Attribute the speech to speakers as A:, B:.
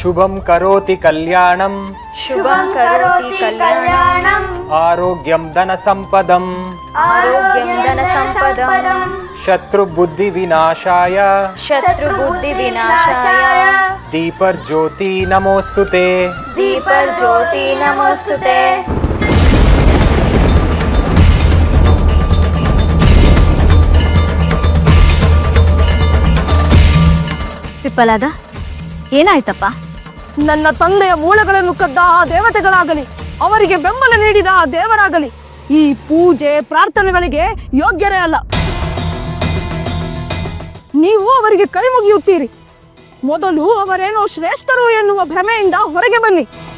A: शुभं करोति कल्याणं
B: शुभं करोति कल्याणं
A: आरोग्यं धनसम्पदम् शत्रुबुद्धिविनाशाय दीपर्ज्योति नमोस्तुते
C: ವಿಫಲಾದ ಏನಾಯ್ತಪ್ಪ?
D: ನನ್ನ ತಂದೆಯ ಮೂಳೆಗಳನ್ನು ಕದ್ದ ಆ ದೇವತೆಗಳಾಗಲಿ, ಅವರಿಗೆ ಬೆಂಬಲ ನೀಡಿದ ಆ ದೇವರಾಗಲಿ ಈ ಪೂಜೆ ಪ್ರಾರ್ಥನೆಗಳಿಗೆ ಯೋಗ್ಯರೇ ಅಲ್ಲ. ನೀವು ಅವರಿಗೆ ಕೈ ಮುಗಿಯುತ್ತೀರಿ. ಮೊದಲು ಅವರೇನೋ ಶ್ರೇಷ್ಠರು ಎನ್ನುವ ಭ್ರಮೆಯಿಂದ ಹೊರಗೆ ಬನ್ನಿ.